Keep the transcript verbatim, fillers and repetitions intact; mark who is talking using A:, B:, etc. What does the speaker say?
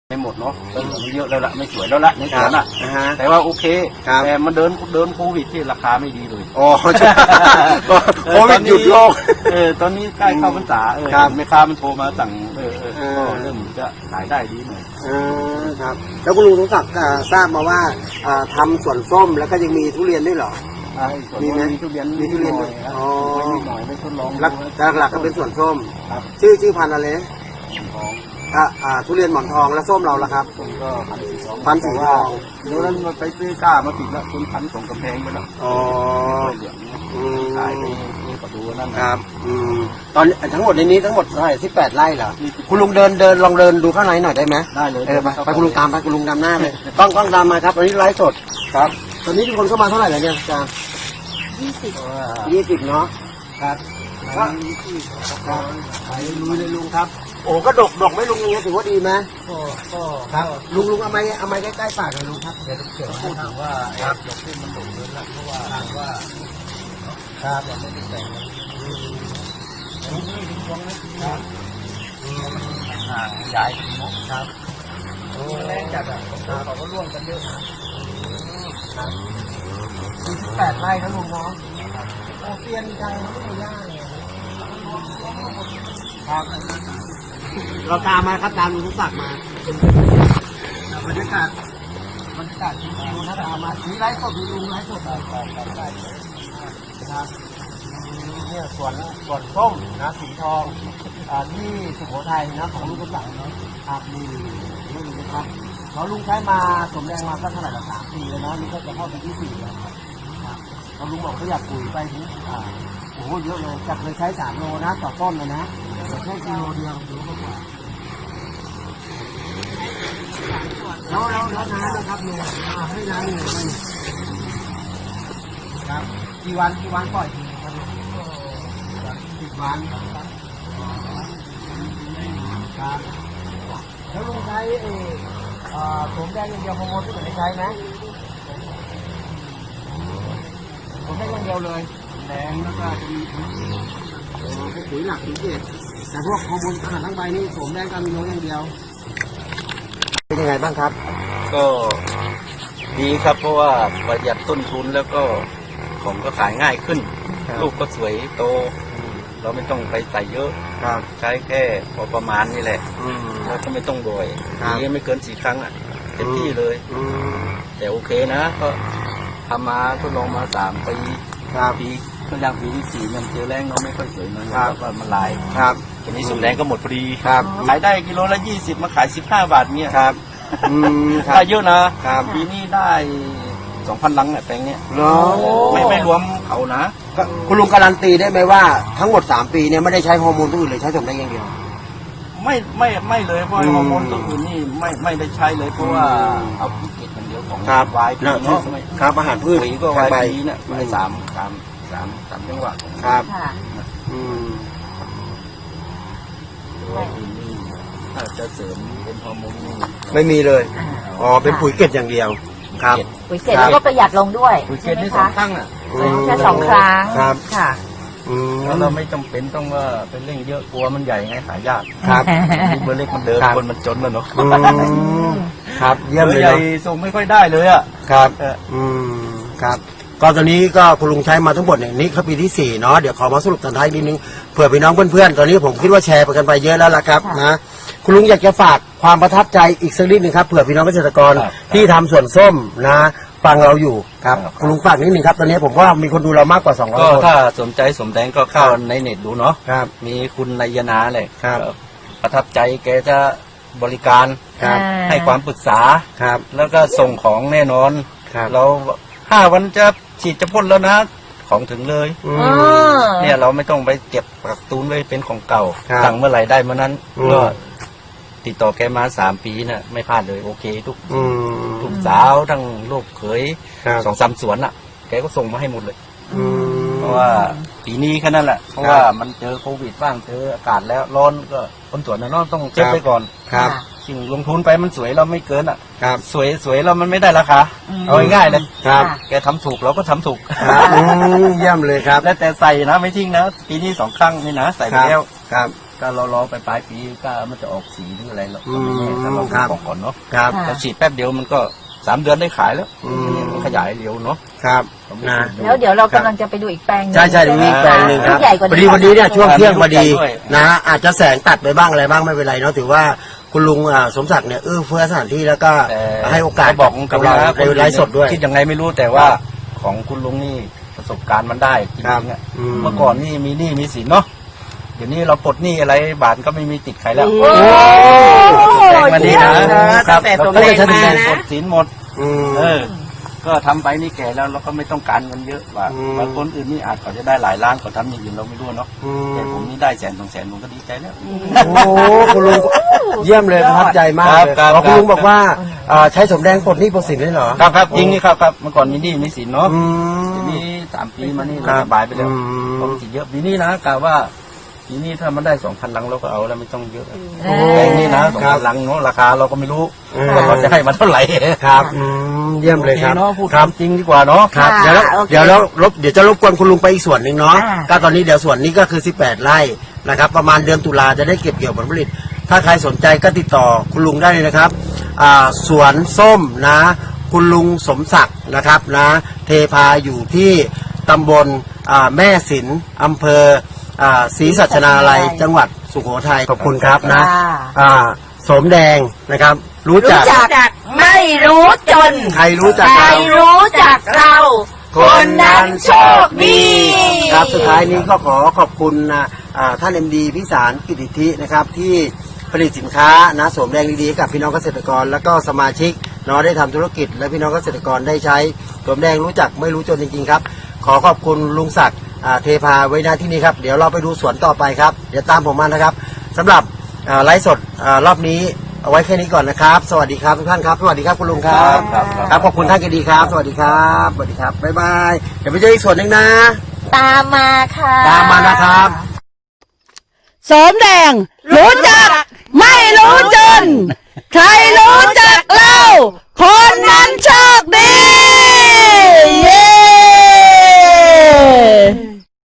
A: ไม่หมดเนาะต้นนี้เยอะแล้วละไม่สวยแล้วละในสวนอ่ะแต่ว่าโอเคแต่มันเดินเดินโควิดที่ราคาไม่ดีเลย
B: อ๋อโควิดหยุดโลก
A: เออตอนนี้ใกล้เข้าพรรษาเออแม่ค้ามันโทรมาสั่งเออเออก็เริ่มจะขายได้ดีหน่อย
B: อ่าครับแล้วคุณลุงสมศักดิ์ทราบมาว่าทำสวนส้มแล้วก็ยังมีทุเรียนด้วยเหรอ
A: มีไหมมีทุเรียน
B: มีทุเรียนด้วย
A: อ๋อหน่อยไม่ทดลอง
B: หลักๆก็เป็นสวนส้มชื่อชื่อพันธุ์อะไรอ่าอ่าทุเรียนหมอนทองและส้มเราละครับ
A: ส้มก็พันสีทอง
B: พันสีทอง
A: เดี๋ยวนั้นมาไปซื้อก้ามาติดแล้วคุณพันส่งกำแพงไปแล้ว
B: อ๋อ
A: เหลืองขายไปก็ดูนั่น
B: ครับอืมตอนทั้งหมดในนี้ทั้งหมดเท่าไหร่สิบแปดไร่เหรอคุณลุงเดินเดินลองเดินดูข้างในหน่อยได้ไหม
A: ได้เลย
B: เออไปไปคุณลุงตามไปคุณลุงนำหน้าเลยกล้องกล้องตามมาครับตอนนี้ไลฟ์สดครับตอนนี้ทุกคนเข้ามาเท่าไหร่แล้วเนี่ยอาจารย์
C: ยี่สิบ
B: ยี่สิบเนาะ
A: ครับ
B: ก็ขายลุยเลยลุงครับโอ้ก็ดกดกไม่ลุงอย่างเงี้ยถือว่าดีไหม
A: ก็ก็
B: ครับลุงลุงเอาไม้เอาไม้ใกล้ๆปากเลยลุงครับ
A: เดี๋ยวเดี๋ยวพูดถึงว่าไอ้ดอกที่มันดกเลยละเพราะว่าว่า
B: ครับ
A: ยังไม่ได้แต่งลุงไม่ถึงช่วงนะครับห่างใหญ่
B: ครับ
A: โอ้แรงจัดอ่ะเขาก็ร่วมกันเยอะนะครับ
B: สี่สิบแปดไร่นะลุงเนาะโอ้เตียนจังไม่ได้ยากเลยครับเราตามมาครับตามลุงทุกศักดิ์มาบรรยากาศบรรยากาศที่ลุงนะตามมาที่ไร่สดลุงไร่สดได้ครับครับเนี่ยสวนสวนส้มนะสีทองที่สุโขทัยนะของลุงทุกศักดิ์นะครับนี่นี่นะครับเขาลุงใช้มาสมแรงมาสักเท่าไหร่ละสามปีเลยนะนี่ก็จะเข้าปีที่สี่แล้วครับเขาลุงบอกเขาอยากปุ๋ยไปถึงอ่าโอ้โหเยอะเลยจากเคยใช้สามโลนะต่อต้นเลยนะแต่แค่กิโลเดียวดูก็พอแล้วแล้วแล้วน้ำนะครับเนี่ยให้น้ำเนี่ยมันครับกี่วันกี่วันปล่อยทีครับสิบวันครับแล้วลุงใช้เอ่อผมแดงอย่างเดียวฮอร์โมนที่ผมได้ใช้ไหมผมได้อย่างเดียวเลย
A: แดงแล้วก็จะมี
B: ปุ๋ยหลักปุ๋ยเกศแต่พวกฮอร์โมนอาหารทั้งใบนี่ผมแดงกันมีน้อยอย่างเดียวเป็นยังไงบ้างครับ
A: ก็ดีครับเพราะว่าประหยัดต้นทุนแล้วก็ของก็ขายง่ายขึ้นลูกก็สวยโตเราไม่ต้องไปใส่เยอะใช้แค่พอประมาณนี่แหละแล้วก็ไม่ต้องบ่อยนี้ไม่เกินสี่ครั้งอ่ะเต็มที่เลยแต่โอเคนะก็ทำมาทดลองมาสามปีปีก็ยังปีที่สี่มันเจอแรงเนาะไม่ค่อยสวยมันก็มันลาย
B: ครับ
A: ทีนี้สุดแรงก็หมดพอดี
B: ครับ
A: ขายได้กิโลละยี่สิบมาขายสิบห้าบาทเนี่ย
B: ครับ
A: ได้เยอะนะครับปีนี้ได้สองพันลังเนี่ยแปลงเนี้ยไม่ไม่รวมเขานะ
B: คุณลุงการันตีได้ไหมว่าทั้งหมดสามปีเนี่ยไม่ได้ใช้ฮอร์โมนตัวอื่นเลยใช้สมได้อย่างเดียว
A: ไม่ไม่ไม่เลยเพราะฮอร์โมนตัวอื่นนี่ไม่ไม่ได้ใช้เลยเพราะว่าเอาพืชเกษอย่างเดียวของวายพีเนาะ
B: ครับอาหารพืช
A: ก็วายพีเนี่ยวายสามสามสามสามจังหวะ
B: ครับอืม
A: ถ้าจะเสริมเป็นฮอร์โมนนี่
B: ไม่มีเลยอ๋อเป็นปุ๋ยเกษอย่างเดียวครับ
C: ปุ๋ยเกษแล้วก็ประหยัดลงด้วย
A: ปุ๋ยเกษนี่สองครั้งอ่ะ
C: แค่สองครั้ง
B: ครับ
C: ค่ะ
A: แล้วเราไม่จำเป็นต้องว่าเป็นเร่งเยอะกลัวมันใหญ่ไงขายยาก
B: ครับ
A: เบอร์เล็กมันเดินคนมันจนแล้วเนาะ
B: ครับเยี่ยมเลย
A: ใหญ่ส่งไม่ค่อยได้เลยอ่ะ
B: ครับอืมครับก็ตอนนี้ก็คุณลุงใช้มาทั้งหมดเนี่ยนี่เขาปีที่สี่เนาะเดี๋ยวขอมาสรุปตอนท้ายนิดนึงเผื่อพี่น้องเพื่อนๆตอนนี้ผมคิดว่าแชร์ไปกันไปเยอะแล้วล่ะครับนะคุณลุงอยากจะฝากความประทับใจอีกสักนิดหนึ่งครับเผื่อพี่น้องเกษตรกรที่ทำสวนส้มนะฟังเราอยู่ครับคุณลุงฝากนิดหนึ่งครับตอนนี้ผมว่ามีคนดูเรามากกว่าสองร้อยคน
A: ก็ถ้าสนใจสมแดงก็เข้าในเน็ตดูเนาะ
B: ครับ
A: มีคุณนายนาเลย
B: ครับ
A: ประทับใจแกจะบริการให้ความปรึกษา
B: ครับ
A: แล้วก็ส่งของแน่นอนเราห้าวันจะฉีดจะพ่นแล้วนะของถึงเลยเนี่ยเราไม่ต้องไปเก็บกักตุนไว้เป็นของเก่าสั่งเมื่อไหร่ได้เมื่อนั้นก็ติดต่อแกมาสามปีน่ะไม่พลาดเลยโอเคทุกทุกสาวทั้งลูกเขยสองสามสวนอ่ะแกก็ส่งมาให้หมดเลยเพราะว่าปีนี้แค่นั้นแหละเพราะว่ามันเจอโควิดบ้างเจออากาศแล้วร้อนก็คนสวนน่ะต้องเช็คไปก่อน
B: ครับ
A: สิ่งลงทุนไปมันสวยเราไม่เกินอ่ะ
B: ครับ
A: สวยสวยเรามันไม่ได้ราคาเอาง่ายๆเลย
B: ครับ
A: แกทำถูกเราก็ทำถูก
B: เยี่ยมเลยครับ
A: แล้วแต่ใส่นะไม่ทิ้งนะปีนี้สองครั้งนี่นะใส่ไปแล้ว
B: ครับ
A: ก็เรารอไปปลายปีก็มันจะออกสีหรืออะไรเราก็ไม่แน่
B: อืม
A: ถ้าเรา
B: ครับ
A: บอกก่อนเนาะ
B: ครับ
A: เราฉีดแป๊บเดียวมันก็สามเดือนได้ขายแล้ว
B: อืม
A: มันขยายเร็วเนาะ
B: ครับนะ
C: แล้วเดี๋ยวเรากำลังจะไปดูอีกแปลงหนึ่ง
B: ใช่ใช่ดูอีกแปลงหนึ่งครับ
C: ที่ใหญ่กว่า
B: พอดีวันนี้เนี่ยช่วงเที่ยงพอดี
A: ด้วย
B: นะฮะอาจจะแสงตัดไปบ้างอะไรบ้างไม่เป็นไรเนาะถือว่าคุณลุงอ่าสมศักดิ์เนี่ยเอื้อเฟื้อสถานที่แล้วก็
A: แต่
B: ให้โอกาส
A: บอก
B: กับเรา
A: นะ
B: ในไลฟ์สดด้วย
A: คิดยังไงไม่รู้แต่ว่าของคุณลุงนี่ประสบการณ์มันได้จริงๆอะ
B: อืม
A: เมื่อก่อนนี่มีหนี้มีสินเนาะเดี๋ยวนี้เราปลดหนี้อะไรบาทก็ไม่มีติดใครแล้ว
C: โอ้
A: แรงมาดีนะ
D: ตั้งแต่สมแรงมานะ
A: ปลดสินหมด
B: อืม
A: เออ ก็ทำไปนี่แก่แล้วเราก็ไม่ต้องการเงินเยอะว่า
B: อืม
A: บางคนอื่นนี่อาจเขาจะได้หลายล้านเขาทำอย่างอื่นเราไม่รู้เนาะ
B: อืม
A: แต่ผมนี่ได้แสนสองแสนผมก็ดีใจแล้ว
B: โอ้โหคุณลุงเยี่ยมเลยประทับใจมากเลย
A: ครับ
B: อ๋อคุณลุง
A: ครับ
B: บอกว่าอ่าใช้สมแดงปลดหนี้ปลดสินได้เหรอ
A: ครับครับจริงนี่ครับครับเมื่อก่อนมีหนี้มีสินเนาะ
B: อืม
A: ทีนี้สามปีมานี่
B: ครั
A: เรา
B: บ
A: สบายไปแล้ว
B: อืม
A: ผมสิเยอะปีนี้นะกะว่าปีนี้ถ้ามันได้สองพันลังเราก็เอาแล้วไม่ต้องเยอะ
C: โอ้
A: แพงนี่นะสองพันลังเนาะราคาเราก็ไม่รู้
B: อืม
A: ว่าเราจะให้มันเท่าไหร่
B: ครับอืมเยี่ยมเลยครับ
A: โอเนาะพูด
B: ครับ
A: จริงดีกว่าเนาะ
B: ครับ
C: ค่ะ
B: เดี๋ยวเรา
C: โอเค
B: เดี๋ยวเรารบเดี๋ยวจะรบกวนคุณลุงไปอีกส่วนหนึ่งเนาะ
C: อ่า
B: ก็ตอนนี้เดี๋ยวส่วนนี้ก็คือสิบแปดไร่นะครับประมาณเดือนตุลาจะได้เก็บเกี่ยวผลผลิต ถ้าใครสนใจก็ติดต่อคุณลุงได้เลยนะครับอ่าสวนส้มนะ คุณลุงสมศักดิ์นะครับนะ เทพาอยู่ที่ตำบลอ่าแม่สินอำเภออ่าศรีสัชนาลัยจังหวัดสุโขทัยขอบคุณครับนะ
C: ค่ะ
B: อ่าสมแดงนะครับ รู้จัก
C: รู้จักไม่รู้จน
B: ใครรู้จัก
C: ใคร
B: เรา
C: รู้จักเรา คนนั้นโชคดี
B: ครับสุดท้ายนี้ก็ขอขอบคุณนะอ่าท่านเอ็มดีพิสารกิติธินะครับที่ผลิตสินค้านะสวมแรงดีๆให้กับพี่น้องเกษตรกร แล้วก็สมาชิกเนาะได้ทำธุรกิจ และพี่น้องเกษตรกรได้ใช้สวมแดงรู้จักไม่รู้จนจริงๆครับ ขอขอบคุณลุงศักดิ์อ่าเทพาไว้หน้าที่นี้ครับเดี๋ยวเราไปดูสวนต่อไปครับเดี๋ยวตามผมมานะครับสำหรับอ่าไลฟ์สดอ่ารอบนี้เอาไว้แค่นี้ก่อนนะครับ สวัสดีครับทุกท่านครับสวัสดีครับคุณลุงครับ
A: ครับครับ
B: ครับขอบคุณท่านกันดีครับ สวัสดีครับสวัสดีครับบ๊ายบายเดี๋ยวไปเจออีกส่วนหนึ่งนะ
C: ตามมาค่ะ
B: ตามมานะครับ
D: สมแดง รู้จัก ไม่รู้จน ใครรู้จักเรา